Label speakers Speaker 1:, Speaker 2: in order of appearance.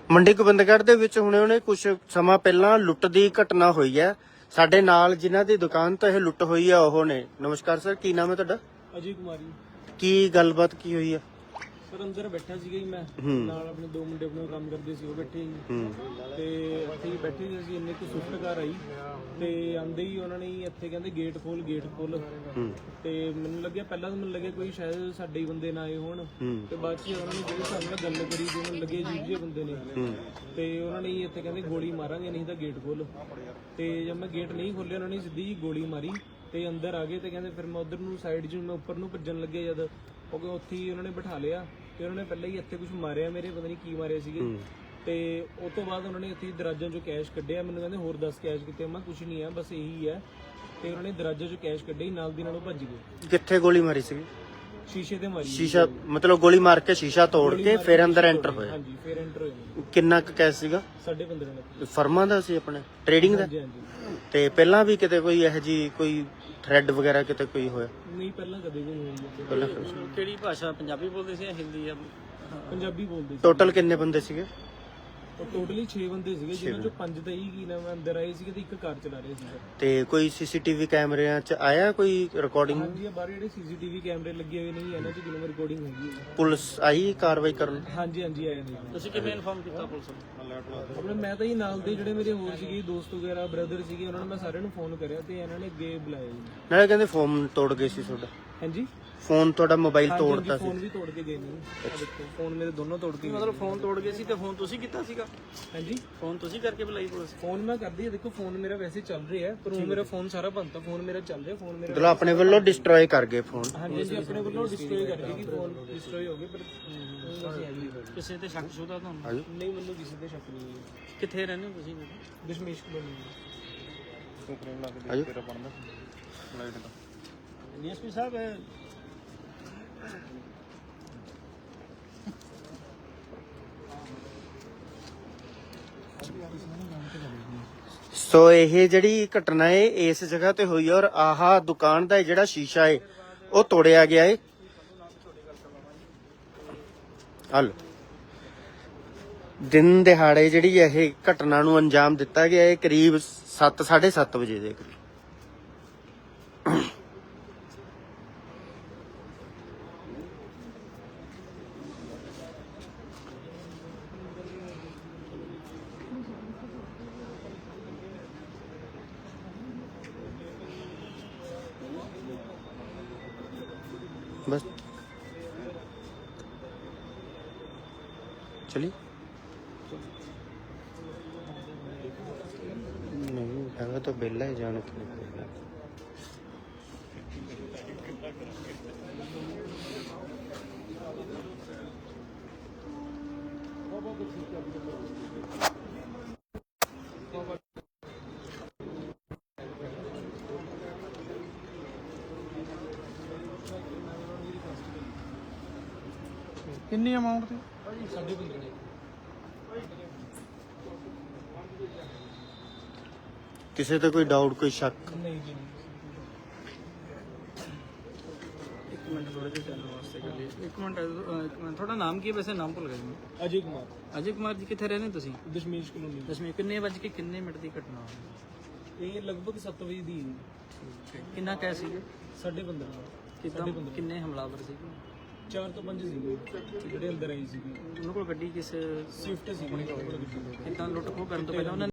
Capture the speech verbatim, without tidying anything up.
Speaker 1: ਮੰਡੀ ਗੋਬਿੰਦਗੜ੍ਹ ਦੇ ਵਿੱਚ ਹੁਣੇ ਹੁਣੇ ਕੁਝ ਸਮਾਂ ਪਹਿਲਾਂ ਲੁੱਟ ਦੀ ਘਟਨਾ ਹੋਈ ਹੈ। ਸਾਡੇ ਨਾਲ ਜਿਨ੍ਹਾਂ ਦੀ ਦੁਕਾਨ ਤੋਂ ਇਹ ਲੁੱਟ ਹੋਈ ਹੈ ਉਹ ਨੇ। ਨਮਸਕਾਰ ਸਰ, ਕੀ ਨਾਮ ਹੈ ਤੁਹਾਡਾ?
Speaker 2: ਅਜੇ ਕੁਮਾਰੀ।
Speaker 1: ਕੀ ਗੱਲਬਾਤ ਕੀ ਹੋਈ ਹੈ?
Speaker 2: ਸਰ ਅੰਦਰ ਬੈਠਾ ਸੀਗਾ ਜੀ ਮੈਂ, ਨਾਲ ਆਪਣੇ ਦੋ ਮੁੰਡੇ ਆਪਣੇ ਕੰਮ ਕਰਦੇ ਸੀ, ਉਹ ਬੈਠੇ ਸੀ ਤੇ ਇੱਥੇ ਹੀ ਬੈਠੇ ਸੀ ਅਸੀਂ। ਇੰਨੇ ਕੁ ਸਵਿਫਟ ਕਾਰ ਆਈ ਤੇ ਆਂਦੇ ਹੀ ਉਹਨਾਂ ਨੇ ਇੱਥੇ ਕਹਿੰਦੇ ਗੇਟ ਖੋਲ ਗੇਟ ਖੋਲ ਤੇ ਮੈਨੂੰ ਲੱਗਿਆ ਪਹਿਲਾਂ ਤਾਂ ਮੈਨੂੰ ਲੱਗਿਆ ਕੋਈ ਸ਼ਾਇਦ ਸਾਡੇ ਹੀ ਬੰਦੇ ਨਾ ਆਏ ਹੋਣ ਤੇ ਬਾਅਦ ਚ ਉਹਨਾਂ ਨੇ ਜਿਹੜੇ ਸਾਡੇ ਨਾਲ ਗੱਲ ਕਰੀ ਤੇ ਮੈਨੂੰ ਲੱਗੇ ਅਜੀਬ ਜਿਹੇ ਬੰਦੇ ਨੇ ਤੇ ਉਹਨਾਂ ਨੇ ਇੱਥੇ ਕਹਿੰਦੇ ਗੋਲੀ ਮਾਰਾਂਗੇ ਨਹੀਂ ਤਾਂ ਗੇਟ ਖੋਲ। ਤੇ ਜਦ ਮੈਂ ਗੇਟ ਨਹੀਂ ਖੋਲਿਆ ਉਹਨਾਂ ਨੇ ਸਿੱਧੀ ਜੀ ਗੋਲੀ ਮਾਰੀ ਤੇ ਅੰਦਰ ਆ ਗਏ ਤੇ ਕਹਿੰਦੇ ਫਿਰ ਮੈਂ ਉਧਰ ਨੂੰ ਸਾਈਡ 'ਚ ਮੈਂ ਉੱਪਰ ਨੂੰ ਭੱਜਣ ਲੱਗਿਆ ਜਦ ਕਿਉਂਕਿ ਉੱਥੇ ਹੀ ਉਹਨਾਂ ਨੇ ਬਿਠਾ ਲਿਆ ਤੇ ਉਹਨਾਂ ਨੇ ਪਹਿਲਾਂ ਹੀ ਇੱਥੇ ਕੁਝ ਮਾਰਿਆ ਮੇਰੇ, ਪਤਾ ਨਹੀਂ ਕੀ ਮਾਰਿਆ ਸੀਗੇ। ਤੇ ਉਸ ਤੋਂ ਬਾਅਦ ਉਹਨਾਂ ਨੇ ਇੱਥੇ ਦਰਾਜਾਂ 'ਚੋਂ ਕੈਸ਼ ਕੱਢਿਆ, ਮੈਨੂੰ ਕਹਿੰਦੇ ਹੋਰ ਦਸ ਕੈਸ਼ ਕਿਤੇ, ਮੈਂ ਕੁਝ ਨਹੀਂ ਆ ਬਸ ਇਹੀ ਹੈ। ਤੇ ਉਹਨਾਂ ਨੇ ਦਰਾਜਾਂ 'ਚੋਂ ਕੈਸ਼ ਕੱਢੇ, ਨਾਲ ਦੀ ਨਾਲ ਉਹ ਭੱਜ ਗਏ।
Speaker 1: ਕਿੱਥੇ ਗੋਲੀ ਮਾਰੀ ਸੀ?
Speaker 2: ਸ਼ੀਸ਼ੇ ਤੇ ਮਾਰੀ।
Speaker 1: ਸ਼ੀਸ਼ਾ ਮਤਲਬ ਗੋਲੀ ਮਾਰ ਕੇ ਸ਼ੀਸ਼ਾ ਤੋੜ ਕੇ ਫਿਰ ਅੰਦਰ ਐਂਟਰ ਹੋਏ?
Speaker 2: ਹਾਂਜੀ, ਫਿਰ ਐਂਟਰ ਹੋਏ।
Speaker 1: ਕਿੰਨਾ ਕੁ ਕੈਸ਼ ਸੀਗਾ?
Speaker 2: ਸਾਢੇ ਪੰਦਰਾਂ ਲੱਖ।
Speaker 1: ਫਰਮਾਂ ਦਾ ਸੀ ਆਪਣੇ ਟ੍ਰੇਡਿੰਗ ਦਾ?
Speaker 2: ਹਾਂਜੀ ਹਾਂਜੀ।
Speaker 1: ਤੇ ਪਹਿਲਾਂ ਵੀ ਕਿਤੇ ਕੋਈ ਇਹੋ ਜੀ ਕੋਈ ਥ੍ਰੈਡ ਵਗੈਰਾ ਕਿਤੇ ਕੋਈ ਹੋਇਆ?
Speaker 2: ਨਹੀਂ, ਪਹਿਲਾਂ ਕਦੇ ਵੀ ਨਹੀਂ ਹੋਈ।
Speaker 1: ਪਹਿਲਾਂ
Speaker 2: ਕਿਹੜੀ ਭਾਸ਼ਾ, ਪੰਜਾਬੀ ਬੋਲਦੇ ਸੀ ਜਾਂ ਹਿੰਦੀ? ਆ ਪੰਜਾਬੀ ਬੋਲਦੇ ਸੀ।
Speaker 1: ਟੋਟਲ ਕਿੰਨੇ ਬੰਦੇ ਸੀਗੇ?
Speaker 2: ਟੋਟਲੀ ਛੇ ਬੰਦੇ ਸੀਗੇ, ਜਿਨ੍ਹਾਂ ਚੋਂ ਪੰਜ ਤਾਂ ਹੀ ਕੀ ਨਾਮ ਅੰਦਰ ਆਏ ਸੀਗੇ ਤੇ ਇੱਕ ਕਾਰ ਚਲਾ ਰਹੇ ਸੀ।
Speaker 1: ਤੇ ਕੋਈ ਸੀਸੀਟੀਵੀ ਕੈਮਰਿਆਂ 'ਚ ਆਇਆ ਕੋਈ ਰਿਕਾਰਡਿੰਗ?
Speaker 2: ਹਾਂਜੀ, ਬਾਹਰ ਜਿਹੜੇ ਸੀਸੀਟੀਵੀ ਕੈਮਰੇ ਲੱਗੇ ਹੋਏ ਨੇ ਇਹਨਾਂ 'ਚ ਜਿਵੇਂ ਰਿਕਾਰਡਿੰਗ ਹੈਗੀ ਹੈ।
Speaker 1: ਪੁਲਿਸ ਆਈ ਕਾਰਵਾਈ ਕਰਨ?
Speaker 2: ਹਾਂਜੀ ਹਾਂਜੀ, ਆਏ ਨੇ।
Speaker 3: ਤੁਸੀਂ ਕਿਵੇਂ ਇਨਫਾਰਮ ਕੀਤਾ ਪੁਲਿਸ ਨੂੰ?
Speaker 2: ਆਪਣੇ ਮੈਂ ਤਾਂ ਹੀ ਨਾਲ ਦੇ ਜਿਹੜੇ ਮੇਰੇ ਹੋਰ ਸੀਗੇ ਦੋਸਤ ਵਗੈਰਾ ਬ੍ਰਦਰ ਸੀਗੇ, ਉਹਨਾਂ ਨੂੰ ਮੈਂ ਸਾਰਿਆਂ ਨੂੰ ਫੋਨ ਕਰਿਆ ਤੇ ਇਹਨਾਂ ਨੇ ਅੱਗੇ ਬੁਲਾਇਆ ਜੀ।
Speaker 1: ਨਾਲੇ ਕਹਿੰਦੇ ਫੋਨ ਤੋੜ ਗਏ ਸੀ ਤੁਹਾਡਾ?
Speaker 2: ਹਾਂਜੀ,
Speaker 1: ਫੋਨ ਤੁਹਾਡਾ ਮੋਬਾਈਲ ਤੋੜਤਾ ਸੀ?
Speaker 2: ਫੋਨ ਵੀ ਤੋੜ ਕੇ ਗਏ ਨੇ। ਆ ਦੇਖੋ ਫੋਨ ਮੇਰੇ ਦੋਨੋਂ ਤੋੜ ਕੇ।
Speaker 3: ਮਤਲਬ ਫੋਨ ਤੋੜ ਗਏ ਸੀ ਤੇ ਫੋਨ ਤੁਸੀਂ ਕੀਤਾ ਸੀਗਾ?
Speaker 2: ਹਾਂਜੀ,
Speaker 3: ਫੋਨ ਤੁਸੀਂ ਕਰਕੇ ਬੁਲਾਈ ਪੁਲਿਸ?
Speaker 2: ਫੋਨ ਮੈਂ ਕਰਦੀ ਆ, ਦੇਖੋ ਫੋਨ ਮੇਰਾ ਵੈਸੇ ਚੱਲ ਰਿਹਾ ਹੈ ਪਰ ਉਹ ਮੇਰਾ ਫੋਨ ਸਾਰਾ ਬੰਦ, ਫੋਨ ਮੇਰਾ ਚੱਲ ਰਿਹਾ। ਫੋਨ ਮੇਰਾ
Speaker 1: ਮਤਲਬ ਆਪਣੇ ਵੱਲੋਂ ਡਿਸਟਰੋਏ ਕਰ ਗਏ ਫੋਨ?
Speaker 2: ਹਾਂਜੀ ਜੀ, ਆਪਣੇ ਵੱਲੋਂ ਡਿਸਟਰੋਏ ਕਰ ਗਏ ਕਿ ਫੋਨ ਡਿਸਟਰੋਏ ਹੋ ਗਏ ਪਰ
Speaker 3: ਕਿਸੇ ਤੇ ਸ਼ੱਕ ਸ਼ੁਦਾ ਤੁਹਾਨੂੰ?
Speaker 2: ਨਹੀਂ, ਮੈਨੂੰ ਕਿਸੇ ਤੇ ਸ਼ੱਕ ਨਹੀਂ ਹੈ।
Speaker 3: ਕਿੱਥੇ ਰਹਿੰਦੇ ਹੋ ਤੁਸੀਂ?
Speaker 2: ਦਸ਼ਮੇਸ਼ ਕਲੋਨੀ।
Speaker 3: ਡੀਐਸਪੀ ਸਾਹਿਬ
Speaker 1: ਸੋ ਇਹ ਜਿਹੜੀ ਘਟਨਾ ਹੈ ਇਸ ਜਗ੍ਹਾ ਤੇ ਹੋਈ ਔਰ ਆਹ ਦੁਕਾਨ ਦਾ ਜਿਹੜਾ ਸ਼ੀਸ਼ਾ ਹੈ ਉਹ ਤੋੜਿਆ ਗਿਆ ਹੈ। ਹਲ ਦਿਨ ਦਿਹਾੜੇ ਜਿਹੜੀ ਇਹ ਘਟਨਾ ਨੂੰ ਅੰਜਾਮ ਦਿੱਤਾ ਗਿਆ ਹੈ ਕਰੀਬ ਸੱਤ ਸਾਢੇ ਸੱਤ ਵਜੇ ਦੇ ਕਰੀਬ। बस चलिए। नहीं हैगा तो बेला ही जाने के लिए।
Speaker 3: ਕਿੰਨੀ ਅਮਾਉਂਟ ਤੇ?
Speaker 2: ਸਾਡੇ ਬੰਦੇ ਨੇ।
Speaker 1: किसी ਤੇ ਕੋਈ ਡਾਊਟ ਕੋਈ ਸ਼ੱਕ?
Speaker 2: ਨਹੀਂ ਜੀ,
Speaker 3: ਇੱਕ ਮਿੰਟ ਥੋੜੇ ਜਿਹਾ ਚੱਲਣ ਵਾਸਤੇ ਕਰ ਲਈ। ਇੱਕ ਮਿੰਟ ਅਹ, ਇੱਕ ਮਿੰਟ ਤੁਹਾਡਾ ਨਾਮ ਕੀ ਹੈ ਵੈਸੇ? ਨਾਮ ਭੁੱਲ ਗਿਆ ਜੀ ਮੈਂ।
Speaker 2: ਅਜੇ ਕੁਮਾਰ।
Speaker 3: ਅਜੇ ਕੁਮਾਰ ਜੀ, ਕਿੱਥੇ ਰਹਿੰਦੇ ਤੁਸੀਂ?
Speaker 2: ਦਸ਼ਮੇਸ਼ ਕਲੋਨੀ।
Speaker 3: ਦਸਵੇਂ ਕਿੰਨੇ ਵਜੇ ਕੇ ਕਿੰਨੇ ਮਿੰਟ ਦੀ ਘਟਨਾ ਹੋਈ?
Speaker 2: ਇਹ ਲਗਭਗ ਸੱਤ ਵਜੇ ਦੀ
Speaker 3: ਕਿੰਨਾ ਕੈ ਸੀਗੇ?
Speaker 2: ਸਾਢੇ ਪੰਦਰਾਂ।
Speaker 3: ਕਿੱਦਾਂ ਕਿੰਨੇ ਹਮਲਾਵਰ ਸੀਗੇ?
Speaker 2: ਚਾਰ ਤੋਂ ਪੰਜ ਸੀਗੇ ਜਿਹੜੇ ਅੰਦਰ ਆਏ ਸੀਗੇ।
Speaker 3: ਉਹਨਾਂ ਕੋਲ ਗੱਡੀ ਕਿਸ
Speaker 2: ਸਵਿਫਟ ਸੀਗੀ।
Speaker 3: ਕਿੱਦਾਂ ਲੁੱਟ ਖੋਹ ਕਰਨ ਤੋਂ ਪਹਿਲਾਂ ਉਹਨਾਂ